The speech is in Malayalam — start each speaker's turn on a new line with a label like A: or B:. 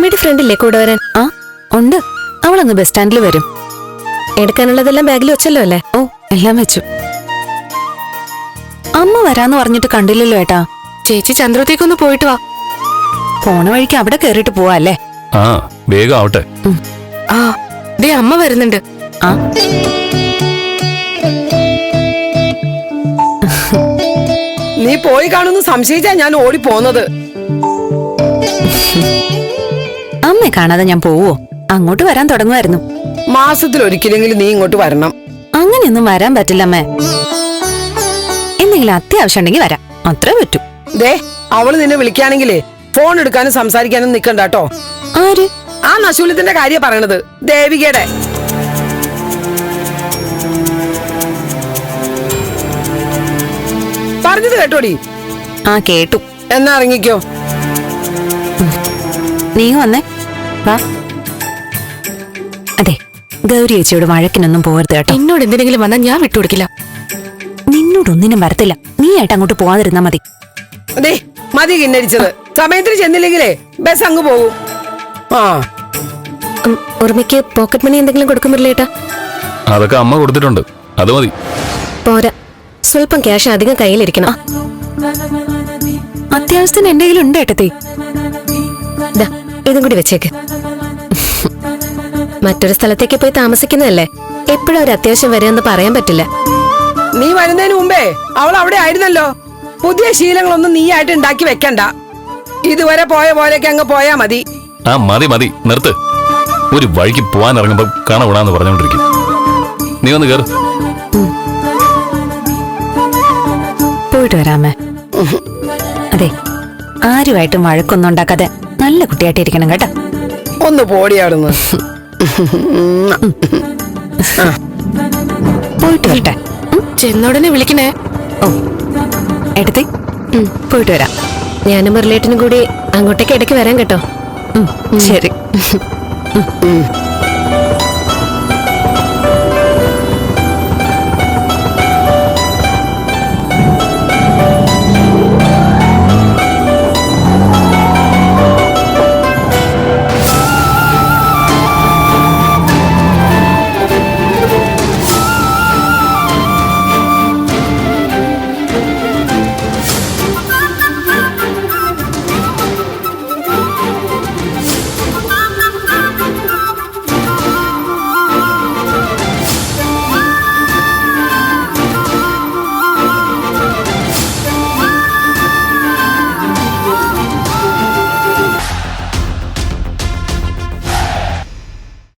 A: അമ്മയുടെ ഫ്രണ്ടില്ലേ കൂടെ വരാൻ?
B: ആ ഉണ്ട്, അവളങ്ങ് ബസ് സ്റ്റാൻഡിൽ വരും.
A: എടുക്കാനുള്ളതെല്ലാം ബാഗിൽ വെച്ചല്ലോ അല്ലേ?
B: ഓ എല്ലാം വെച്ചു. അമ്മ വരാന്ന് പറഞ്ഞിട്ട് കണ്ടില്ലല്ലോ ഏട്ടാ.
A: ചേച്ചി ചന്ദ്രത്തേക്കൊന്ന് പോയിട്ട് വാ.
B: പോണ വഴിക്ക് അവിടെ കേറിട്ട് പോവാ അല്ലേ?
C: ആ വേഗം ആവട്ടെ.
A: ആ ദേ അമ്മ വരുന്നുണ്ട്.
B: ആ
D: നീ പോയി കാണുന്നു സംശയിച്ചാ ഞാൻ ഓടിപ്പോന്നത്.
B: അമ്മയെ കാണാതെ ഞാൻ പോവോ? അങ്ങോട്ട് വരാൻ തുടങ്ങുമായിരുന്നു.
D: മാസത്തിൽ ഒരിക്കലെങ്കിലും നീ ഇങ്ങോട്ട് വരണം.
B: അങ്ങനെയൊന്നും വരാൻ പറ്റില്ല അമ്മേ. എന്തെങ്കിലും അത്യാവശ്യം ഉണ്ടെങ്കിൽ വരാം, അത്രേ പറ്റൂ.
D: ദേ അവള് നിന്നെ വിളിക്കുകയാണെങ്കിലേ ഫോൺ എടുക്കാനും സംസാരിക്കാനും നിക്കണ്ട കേട്ടോ.
B: ആര്?
D: ആ നശൂലത്തിന്റെ കാര്യം പറയണത്, ദേവികയുടെ. പറഞ്ഞത് കേട്ടോടി?
B: ആ കേട്ടു.
D: എന്നാ ഇറങ്ങിക്കോ.
B: നീ വന്നേ വാ. അതെ, ഗൗരി ചേച്ചിയോട് വഴക്കിനൊന്നും പോകരുത് കേട്ടോ.
A: എന്നോട് എന്തിനെങ്കിലും വന്നാൽ ഞാൻ വിട്ടുകൊടുക്കില്ല.
B: നിന്നോടൊന്നിനും വരത്തില്ല, നീ ആയിട്ട് അങ്ങോട്ട് പോവാതിരുന്നാ മതി.
D: ദേ മതി കിന്നരിച്ചത്. സമയത്തിന് ചെന്നില്ലെങ്കിലേ ബസ് അങ്ങ് പോകും. ആ
A: ഉറുമിക്ക് പോക്കറ്റ് മണി എന്തെങ്കിലും കൊടുക്കുമ്പോഴേട്ടാ?
C: അതൊക്കെ അമ്മ കൊടുത്തിട്ടുണ്ട്, അത് മതി.
A: പോരാ, സ്വല്പം ക്യാഷ് അധികം കയ്യിലിരിക്കണം.
B: അത്യാവശ്യത്തിന് എന്റെ കയ്യിലുണ്ട് ഏട്ടത്തി.
A: ഇതും കൂടി വെച്ചേക്ക്. മറ്റൊരു സ്ഥലത്തേക്ക് പോയി താമസിക്കുന്നതല്ലേ, എപ്പോഴും ഒരു അത്യാവശ്യം വരുമെന്ന് പറയാൻ പറ്റില്ല.
D: നീ വരുന്നതിന് മുമ്പേ അവൾ അവിടെ ആയിരുന്നല്ലോ. പുതിയ ശീലങ്ങളൊന്നും നീ ആയിട്ട് ഉണ്ടാക്കി വെക്കണ്ട. ഇതുവരെ പോയ പോലെയൊക്കെ അങ്ങ് പോയാ മതി.
C: ആ മതി മതി, നിർത്ത്. ഒരു വഴിക്ക് പോവാൻ ഇറങ്ങുമ്പോ കാണാന്ന് പറഞ്ഞോണ്ടിരിക്കും. നീ വന്ന് കേറ്.
B: പോയിട്ട് വരാമേ. അതെ, ആരുമായിട്ടും വഴക്കൊന്നും ഉണ്ടാക്കാതെ നല്ല കുട്ടിയായിട്ടിരിക്കണം കേട്ടോ.
D: ഒന്ന് പോടിയാടുന്നു.
B: പോയിട്ട് വരട്ടെ.
A: ചെന്നോടനെ വിളിക്കണേ.
B: ഓ എടുത്തി, പോയിട്ട് വരാം.
A: ഞാനും മുരളേട്ടനും കൂടി അങ്ങോട്ടേക്ക് ഇടയ്ക്ക് വരാൻ കേട്ടോ.
B: ശരി.